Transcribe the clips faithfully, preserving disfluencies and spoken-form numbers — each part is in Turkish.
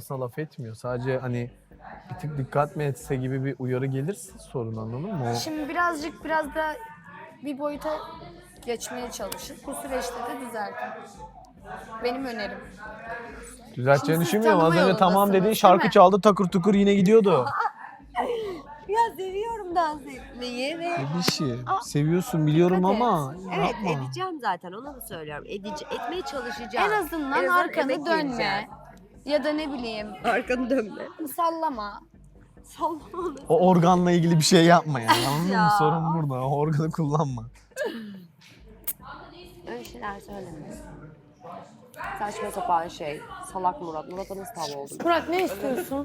aslında laf etmiyor. Sadece hani bir tık dikkat mi etse gibi bir uyarı gelirse sorun, anladın mı? O... Şimdi birazcık biraz da bir boyuta geçmeye çalışın. Bu süreçte de düzeltin. Benim önerim. Düzelteceğini Şimdi siz düşünmüyorum. Az tanıma önce tamam yolundasınız, dediğin değil şarkı mi? çaldı, takır tukur yine gidiyordu. Ya seviyorum dans etmeyi ve... Bir şey. Seviyorsun biliyorum Dikkat et. ama Evet yapma. edeceğim zaten onu da söylüyorum. Edici, etmeye çalışacağım. En azından emek arkanı dönme. vereceğim. Ya da ne bileyim Arkanı dönme. sallama. Sallama. O organla ilgili bir şey yapma yani. Anladın mı? Ya. Sorun burada. O organı kullanma. Öyle şeyler söyleme. Saçma sapan şey. Salak Murat. Murat'a nasıl tav oldun? Murat ne istiyorsun?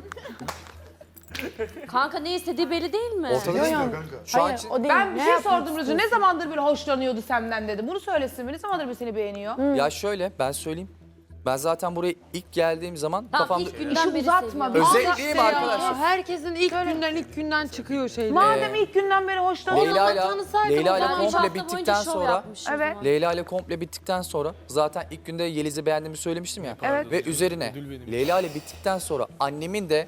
Kanka ne istediği belli değil mi? Ortada Yo, çıkıyor yo. kanka. Şu an Hayır için- o değil. Ben bir Ne şey yapmak sordum Rüzü. Ne istiyorsun? zamandır böyle hoşlanıyordu senden dedi. Bunu söylesin mi? Ne zamandır bir seni beğeniyor? Ya şöyle ben söyleyeyim. Ben zaten buraya ilk geldiğim zaman Tamam, kafamda... ilk günden İşi beri uzatma. seviyorum. Özetleyeyim arkadaşlar. Herkesin ilk günden ilk günden çıkıyor şeyler. Madem ilk günden beri hoşlanıyor. Leyla ile tanısaydım Leyla ile o zaman üç komple hafta boyunca bittikten şov sonra yapmış o Evet. zaman. Leyla ile komple bittikten sonra zaten ilk günde Yeliz'i beğendiğimi söylemiştim ya. Evet. Ve üzerine Leyla ile bittikten sonra annemin de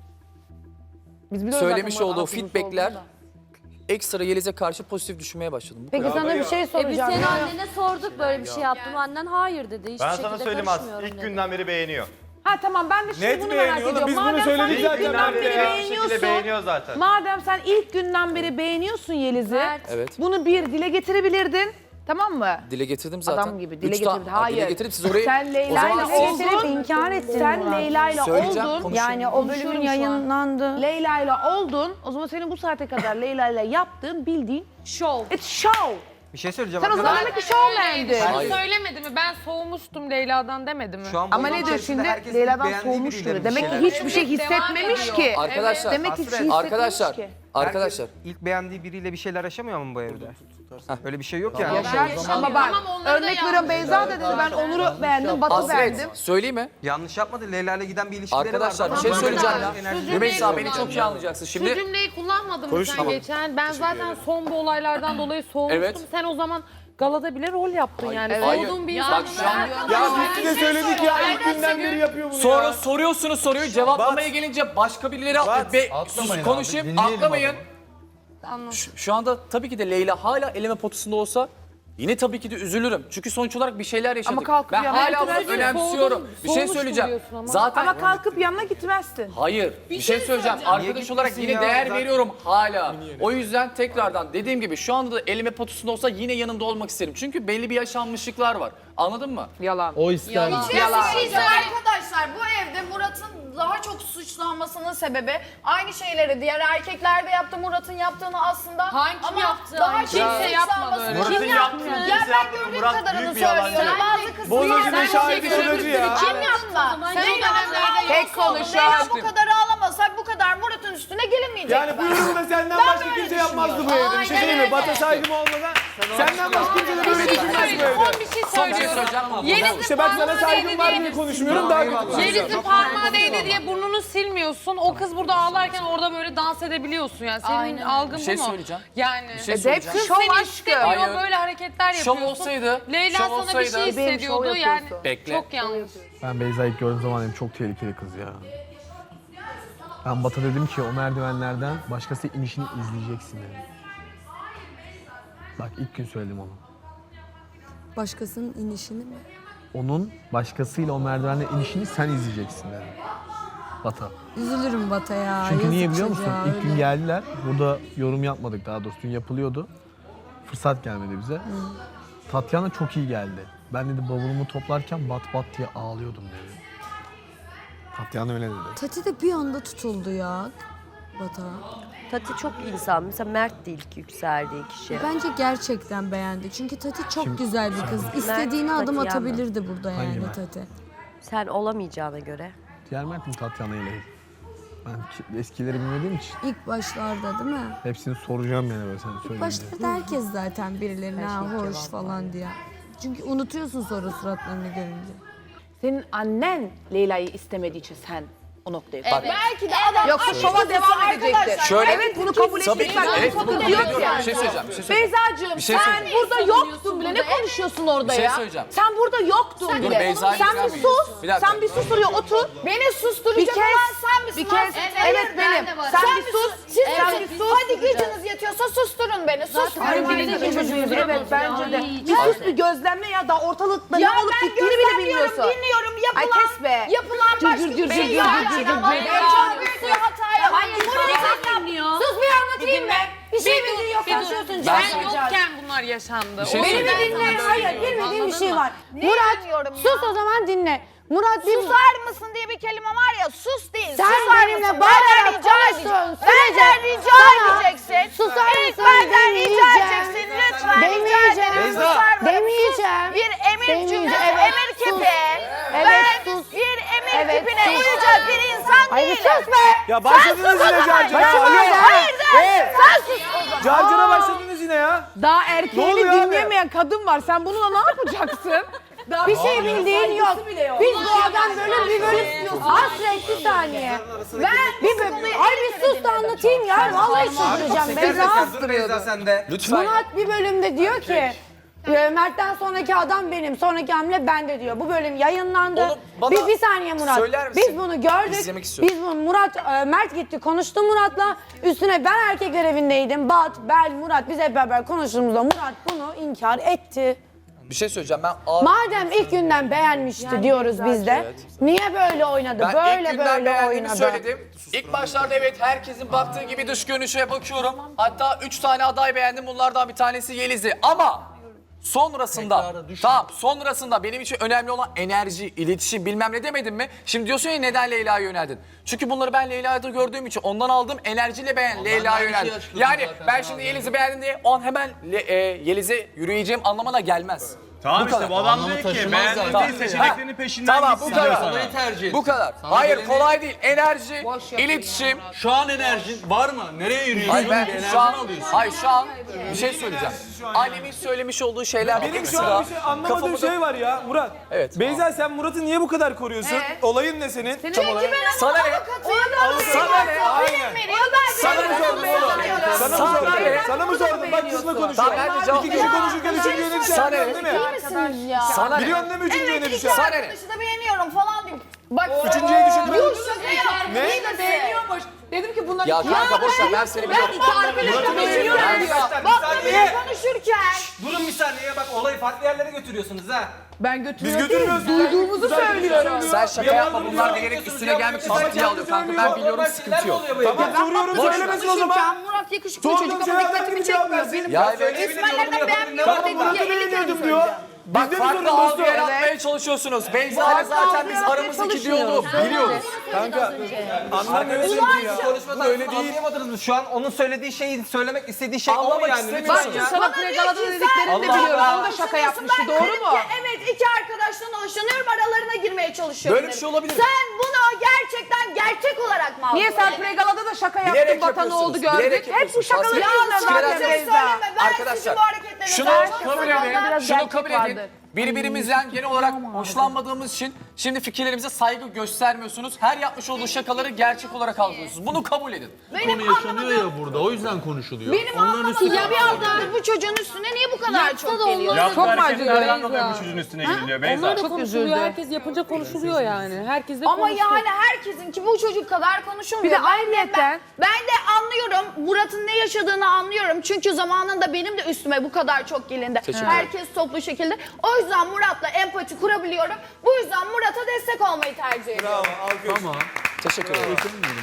Biz biliyoruz söylemiş zaten Murat olduğu Altınoluk feedbackler olduğunu da. ekstra Yeliz'e karşı pozitif düşünmeye başladım. Bu Peki kadar. sana bir şey E biz soracağım. senin annene sorduk böyle bir şey yaptım. Annen hayır dedi. Hiçbir Ben şekilde sana söyleyeyim az. karışmıyorum İlk dedi. günden beri beğeniyor. Ha tamam ben de şimdi Net bunu merak beğeniyor oğlum, ediyorum. biz bunu Madem sen söyledik ilk zaten. günden beri net bir şekilde beğeniyorsun. beğeniyor zaten. Madem sen ilk günden beri beğeniyorsun Yeliz'i. Mert. Evet. Bunu bir dile getirebilirdin. Tamam mı? Dile getirdim zaten. Adam gibi dile Üç ta- getirdi. Hayır. Dile getirdim siz orayı... Sen O Leyla zaman ile oldun. inkar ettin Sen Murat. Leyla ile Söyleyeceğim, oldun. konuşalım. Yani o bölümün Konuşuyorum şu an. yayınlandı. Leyla ile oldun. O zaman senin bu saate kadar Leyla ile yaptığın bildiğin Şov. it's show. Bir şey söyleyeceğim. Sen o zaman demek ki showman'din. Hayır. Söylemedi mi? Ben soğumuştum Leyla'dan demedi mi? Şu an bu Ama yolun ne diyor içerisinde şimdi? herkesin Leyla'dan beğendiği soğumuş birileri gibi. bir Demek ki şeyler. hiçbir şey hissetmemiş ki. Arkadaşlar, Demek ki hiç şey hissetmemiş arkadaşlar, ki. arkadaşlar. İlk beğendiği biriyle bir şeyler yaşamıyor mu bu evde? Öyle bir şey yok yani. Yaşar. Ama bak örnek veriyorum Beyza da dedi ben Onur'u beğendim, Batı beğendim. Hasret, söyleyeyim mi? Yanlış yapmadı. Leyla ile giden bir ilişkileri Arkadaşlar bir vardı. şey Ama söyleyeceğim bu kadar ya. enerji- Rümeysa beni çok iyi anlayacaksın. Şu Şimdi cümleyi kullanmadın mı Konuş sen tamam. geçen? Ben zaten son bu olaylardan dolayı soğumuştum. Evet. Sen o zaman galada bile rol yaptın yani. Hayır. Soğuduğun bir Bak insan. şu an Ya biz size söyledik ya, ilk günden beri yapıyor bunu sonra ya. soruyorsunuz soruyu cevaplamaya gelince başka birileri atlıyor. Be, sus konuşayım atlamayın. Şu, şu anda tabii ki de Leyla hala eleme potasında olsa yine tabii ki de üzülürüm. Çünkü sonuç olarak bir şeyler yaşadık. Ama kalkıp ben yanına hala bunu gitmezsin. önemsiyorum. Soğudum, bir şey soğumuştum söyleyeceğim. diyorsun ama. Zaten Ama kalkıp yanına gitmezsin. hayır bir, şey söyleyeceğim. Arkadaş olarak gitmesin yine ya? değer Zaten- veriyorum hala. O yüzden tekrardan dediğim gibi şu anda da elime potasında olsa yine yanında olmak isterim. Çünkü belli bir yaşanmışlıklar var. Anladın mı? Yalan. O ister. Yalan. Arkadaşlar bu evde Murat'ın daha çok suçlanmasının sebebi aynı şeyleri diğer erkekler de yaptı, Murat'ın yaptığını aslında. Hangi ama yaptı? daha Hangi? çok Kimse yapmadı suçlanmasını- öyle. Murat'ın yaptığı Ya kimse ben yapmadı. gördüğüm Murat kadarını büyük bir yalancı. söylüyorum. Bazı kısmı Bozacı bir şahidi Sen- şuracı ya. Kim yaptı? Sen Leyla dönemlerde Tek Tek konuşan. Leyla bu kadar ağlamasak bu kadar Murat'ın üstüne gelemeyecek. Yani bu yorumu da senden başka kimse yapmazdı bu evde. Bir şey söyleyeyim mi? Batı saygım olmadan senden başka kimse de böyle düşünmez bu evde. Son bir şey Son bir şey söylüyorum. söyleyeceğim ama. Yeliz'in İşte bak sana parmağı saygım değdi var diye- diye konuşmuyorum, daha kötü konuşuyorum. Yeliz'in parmağı değdi diye burnunu silmiyorsun. O kız burada ağlarken orada böyle dans edebiliyorsun yani. Senin Aynen. algın Bir şey bu mu? söyleyeceğim. Yani. Bir şey Hep söyleyeceğim. Kız şov seni aşkı. istemiyor, Hayır. böyle hareketler Şov yapıyorsun. olsaydı, Leyla şov sana bir olsaydı- şey Benim şov hissediyordu yani. yapıyorsun. Bekle. Çok yanlış. Ben Beyza'yı ilk gördüğüm zaman dedim çok tehlikeli kız ya. Ben Bat'a dedim ki o merdivenlerden başkası inişini izleyeceksin dedim. Bak ilk gün söyledim onu. Başkasının inişini mi? Onun başkasıyla o merdivenden inişini sen izleyeceksin dedim. Bat'a. Üzülürüm Bata ya. Çünkü niye yazık biliyor musun? çocuğa, İlk gün öyle. geldiler. Burada yorum yapmadık daha doğrusu. Dün yapılıyordu. Fırsat gelmedi bize. Tatyana çok iyi geldi. Ben dedi bavulumu toplarken bat bat diye ağlıyordum dedi. Tatyana öyle dedi. Tati de bir anda tutuldu ya Bata. Tati çok insan. Mesela Mert de ilk yükseldiği kişi. Bence gerçekten beğendi. Çünkü Tati çok Kim- güzel bir kız. İstediğini adım Tatiana. atabilirdi burada Hangi yani Mert? Tati. Sen olamayacağına göre. Diğer Mert mi Tatyana ile? Ben ki- eskileri bilmediğim için İlk başlarda değil mi? hepsini soracağım yani böyle sen söyleyince. Başlarda herkes zaten birilerine ha, Her şey hoş cevap falan diye. Çünkü unutuyorsun sonra suratlarını görünce. Senin annen Leyla'yı istemediği için sen o noktaya. Bak, Belki de adam Yoksa aynı şova kutusu devam arkadaşlar. edecekti. Şöyle- Evet bunu kabul Tabii edeceksin. ki de, evet, bunu kabul Diyor ediyorum. ki- Bir şey söyleyeceğim, bir şey söyleyeceğim. Beyza'cığım Bir şey sen söyleyeceğim. burada yoktun bile. Ne konuşuyorsun orada Bir şey ya? söyleyeceğim. Sen burada yoktun Dur, bile. Beyza'yı Sen dinler bir miyiz? sus. Bir dakika. Sen bir sus oraya otur. Beni Bir susturacak kez, olan sen misin? bir kez, lan? evet benim. Sen, Sen bir sus. Siz Sen misiniz? bir sus. Hadi gücünüz yetiyorsa susturun beni. Susturun Ay, beni. biz de çocuğuz. Evet bence de. Ay, Bir sus bir gözlemle ya da ortalıkta ne Ya olup ben bittiğini bile gözlemliyorum, bilmiyorsun. dinliyorum. Ay Yapılan, kes be. yapılan Cır başka cır bir cır şey cır yok. cır cır cır. Ama ben çok büyük bir hata yaptım. Hayır, Bunu dinliyor. Sus bir anlatayım mı? Bir şey Bir dur, bilmiyor bir dur. konuşuyorsun. Ben Can. yokken bunlar yaşandı. Bir şey O Beni yüzden bir dinle. sana Hayır, söylüyorum, bilmediğim bir anladın şey mı? var. Murat, sus o zaman dinle. Murat bir susar mısın diye bir kelime var ya, sus değil. Sen susar benimle mısın? bağırarak Benden rica konuştuğun edeceksin. Benden sürece rica sana edeceksin. susar İlk mısın benden rica demeyeceğim. edeceksin. Lütfen rica Demeyeceğim. ederim. Beyza. Susar mısın? Demeyeceğim. Sus. Bir emir Demeyeceğim. cümlesi, Evet, emir sus. kipi. Evet, Ben sus. bir emir Evet, kipine sus. uyacak bir insan Hayır değilim. sus be. Ya başladınız Sen yine sus o zaman. Carcar'a. Başıma Alo. da- Hayır de. Sen sus o zaman. Carcar'a başladınız yine ya. Daha Ne erkeğini oluyor abi? dinlemeyen kadın var. Sen bununla ne yapacaksın? Daha Bir şey bildiğin yok. Biz doğadan böyle bir bölüm hasret bir saniye. Ben Bir bölüm. Ay bir sus da anlatayım ya. Vallahi çıldıracağım. Beyza. Dur Beyza sen de. Lütfen. Murat bir bölümde diyor ki e, Mert'ten sonraki adam benim, sonraki hamle bende diyor. Bu bölüm yayınlandı. Oğlum, bana bir, bir saniye Murat. söyler misin? Biz bunu gördük. İzlemek istiyorum. Biz bunu Murat, e, Mert gitti konuştu Murat'la. Üstüne ben erkekler evindeydim. Bat, Bel, Murat biz hep beraber konuştuğumuzda Murat bunu inkar etti. Bir şey söyleyeceğim. Ben ağır... Madem ilk günden beğenmişti diyoruz biz de. Niye böyle oynadı? Ben böyle ilk günden böyle beğendiğimi oynadı. söyledim. İlk başlarda evet herkesin baktığı gibi dış görünüşe bakıyorum. Hatta üç tane aday beğendim. Bunlardan bir tanesi Yeliz'i. Ama sonrasında, tamam sonrasında benim için önemli olan enerji, iletişim bilmem ne demedim mi? Şimdi diyorsun ya neden Leyla'ya yöneldin? Çünkü bunları ben Leyla'da gördüğüm için ondan aldığım enerjiyle ben Leyla'ya yöneldim. Yani ben şimdi Yeliz'i beğendim diye o an hemen Le- e, Yeliz'e yürüyeceğim anlamına gelmez. Tamam işte, bu adam diyor ki beğendiğin Tamam. seçeneklerin peşinden Tamam bu gitsin kadar. diyor. Bu kadar. Hayır kolay değil. Enerji, iletişim. Şu an enerjin var mı? Nereye yürüyorsun? Hayır ben Bir enerji şu an, mi alıyorsun? hayır şu an bir şey söyleyeceğim. Annemin söylemiş olduğu şeyler Benim şu ekstra an bir şey anlamadığım kafamda- şey var ya Murat. Evet. Beyza sen Murat'ı niye bu kadar koruyorsun? Olayın ne senin? Tam olarak. Sana ne? Sana ne? Aynen. Sana mı sordum oğlum? Sana mı Sana sordun? ne? Sana mı sordun? Bak kızla konuşuyor. Tamam ben de cevap İki kişi veriyorum. konuşurken üçüncüye ne düşer? Sana ne? Biliyorsun değil mi? misiniz ya? Sana ne? Biliyorsun değil mi üçüncüye ne Evet, iki düşer? Sana ne? arkadaşı da beğeniyorum falan diyeyim. Bak Üçüncüye düşündüm. Yuh şaka yaptım. Ne? İyi de beğeniyormuş. Dedim ki bunlar Ya iki kanka boş ver ben seni biliyorum. arkadaşla beğeniyorum diyor. Bak böyle konuşurken. Durun bir saniye bak olayı farklı yerlere götürüyorsunuz ha. Ben Biz götürüyorum. götürmüyoruz. Duyduğumuzu söylüyorum. Sen şaka yapma bunlar bilerek üstüne gelmek için ciddiye alıyor kanka ben biliyorum sıkıntı yok. Tamam soruyorum Boş ver. söylemesin o zaman. Konuşurken Murat yakışıklı Sorduğum çocuk ama şeylerden dikkatimi bir cevap çekmiyor. versin. Benim Ya evet. İsmail'lerden beğenmiyorum Tamam dedi Murat'ı diye elli kere beğeniyordum diyor. söyleyeceğim. Bak Bizde mi farklı sorun algı dostum? yaratmaya çalışıyorsunuz. Beyza ile zaten biz aramızdaki diyaloğu biliyoruz. Kanka anlamıyorsun ki ya. Konuşmadan Öyle değil. anlayamadınız mı? Şu an onun söylediği şeyi söylemek istediği şey o mu Anlamak yani? istemiyorsun. Lütfen ya. Sana pregalada dediklerini de Allah biliyorum. Allah. Onu da şaka yapmıştı. Ben Doğru dedim mu? ki, evet iki arkadaştan hoşlanıyorum aralarına girmeye çalışıyorum. Böyle bir şey olabilir mi? Sen bunu gerçekten gerçek olarak mı aldın? Niye sen pregalada da şaka yaptın, Bilerek batanı yapıyorsunuz, oldu gördük. bilerek Hep bu yapıyorsunuz. şakaları Aslında- yüzünden Fikirler zaten Söyleme, Beyza. ben Arkadaşlar sizin bu hareketlerinizi şunu takip kabul ediyorum. edin. Biraz Şunu gerçek kabul edin. vardır. Birbirimizden genel olarak hoşlanmadığımız için şimdi fikirlerimize saygı göstermiyorsunuz. Her yapmış olduğu şakaları gerçek olarak algılıyorsunuz. Bunu kabul edin. Benim anlamadığım, ya burada o yüzden konuşuluyor. benim anlamadığım ya bir haftadır bu çocuğun üstüne niye bu kadar çok geliyor? Çok mu acıyor? çocuğun üstüne gidiliyor Beyza. Onlar da Çok konuşuluyor. üzüldü. Herkes yapınca konuşuluyor yani. Herkes de Ama konuşuyor. yani herkesin ki bu çocuk kadar konuşulmuyor. Bir de Ben ayrıyeten- ben, ben de anlıyorum. Murat'ın ne yaşadığını anlıyorum. Çünkü zamanında benim de üstüme bu kadar çok gelindi. Teşekkür Herkes toplu şekilde. O yüzden Murat'la empati kurabiliyorum. Bu yüzden Murat'a destek olmayı tercih ediyorum. Tamam. Teşekkür ederim.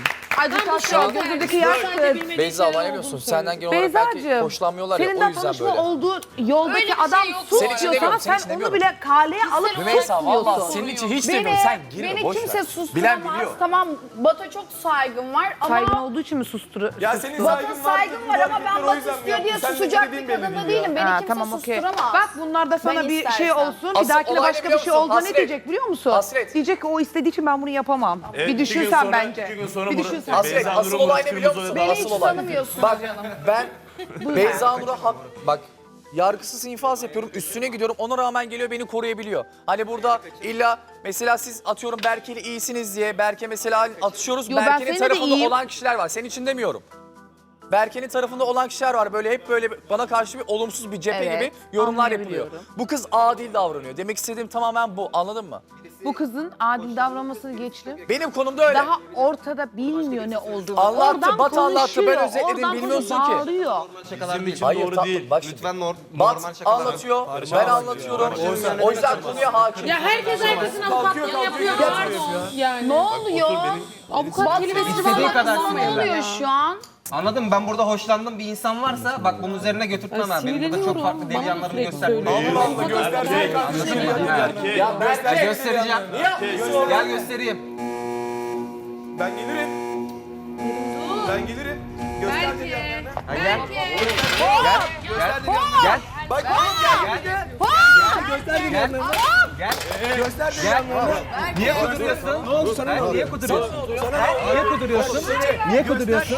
Acitasyon, gözündeki yaştır. Beyza anlayamıyorsun. Senden genel olarak belki Beyza'cığım, hoşlanmıyorlar ya senin o de yüzden konuşma böyle. olduğu yoldaki Öyle bir şey adam yok. sus Senin için diyor demiyorum, sana, senin için sen onu demiyorum. bile kaleye alıp Rümeysa valla susmuyorsun. senin için hiç Beni, demiyorum. Sen girme beni boş ver. kimse Bilen susturamaz. biliyor. Tamam Batu çok saygım var ama Saygın olduğu için mi susturu? Ya senin Batu saygın var. saygım var ama ben o Batu yüzden mi istiyor diye yaptın? Sen ne susacak dediğin bir belli kadın da değil ya. değilim. Beni Ha, kimse tamam okey. susturamaz. Bak bunlar da sana Ben bir şey istersen. olsun. Bir Asıl dahakine olay ne başka biliyor bir şey musun? olduğunda ne Hasret. diyecek biliyor musun? Hasret. Diyecek ki o istediği için ben bunu yapamam. Evet, bir iki gün düşünsen sonra- bence. iki gün sonra Bir Murat- düşünsen. Hasret Beyza asıl Nur'un olay ne kırmızı biliyor odada musun? Beni Asıl hiç olay. tanımıyorsun Bak canım. ben Beyza Nur'a hak... Bak yargısız infaz yapıyorum, üstüne gidiyorum. Ona rağmen geliyor beni koruyabiliyor. Hani burada illa mesela siz atıyorum Berke'yle iyisiniz diye Berke mesela atışıyoruz. Yo, ben Berke'nin seninle de tarafında iyiyim. olan kişiler var. Senin için demiyorum. Berke'nin tarafında olan kişiler var. Böyle hep böyle bana karşı bir olumsuz bir cephe Evet, gibi yorumlar yapılıyor. anlayabiliyorum. Bu kız adil davranıyor. Demek istediğim tamamen bu. Anladın mı? Bu kızın adil davranmasını geçtim. Benim konumda öyle. Daha ortada bilmiyor ne olduğunu. Anlattı, Oradan Bat anlattı. Ben konuşuyor, özetledim, oradan bilmiyorsun konuşup ki. bağırıyor. Bizim için Hayır, doğru tatlım, değil. bak şimdi. Lütfen nor- Bat normal şakalar. anlatıyor, ben anlatıyorum. O yüzden konuya hakim. Ya herkes herkesin avukatlığını yapıyor. Pardon. Yani. Ne oluyor? Avukat kelimesini İstediği bana kadar Ne sinirlen. oluyor şu an? Anladın mı? Ben burada hoşlandığım bir insan varsa bak bunun üzerine götürtmem abi. Benim burada çok farklı deli yanlarımı göstermem. Allah Allah göstersene kardeşim. Ya Ben göstereceğim. Gel göstereyim. Ben gelirim. Ben gelirim. Göster dedi yanlarına. Ha, gel. Gel. Gel. Gel. Bak oğlum gel. Gel. Göster dedi yanlarına. Gel. Göster dedi Gel. yanlarına. Niye kuduruyorsun? Ne oldu sana? Niye kuduruyorsun? Niye kuduruyorsun? Niye kuduruyorsun?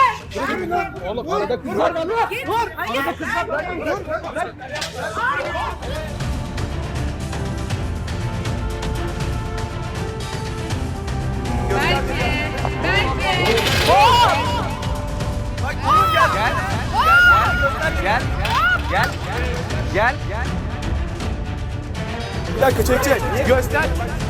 Bak oğlum gel. Gel. Gel. Gel. Gel. Gel. Bir dakika çek çek. Göster.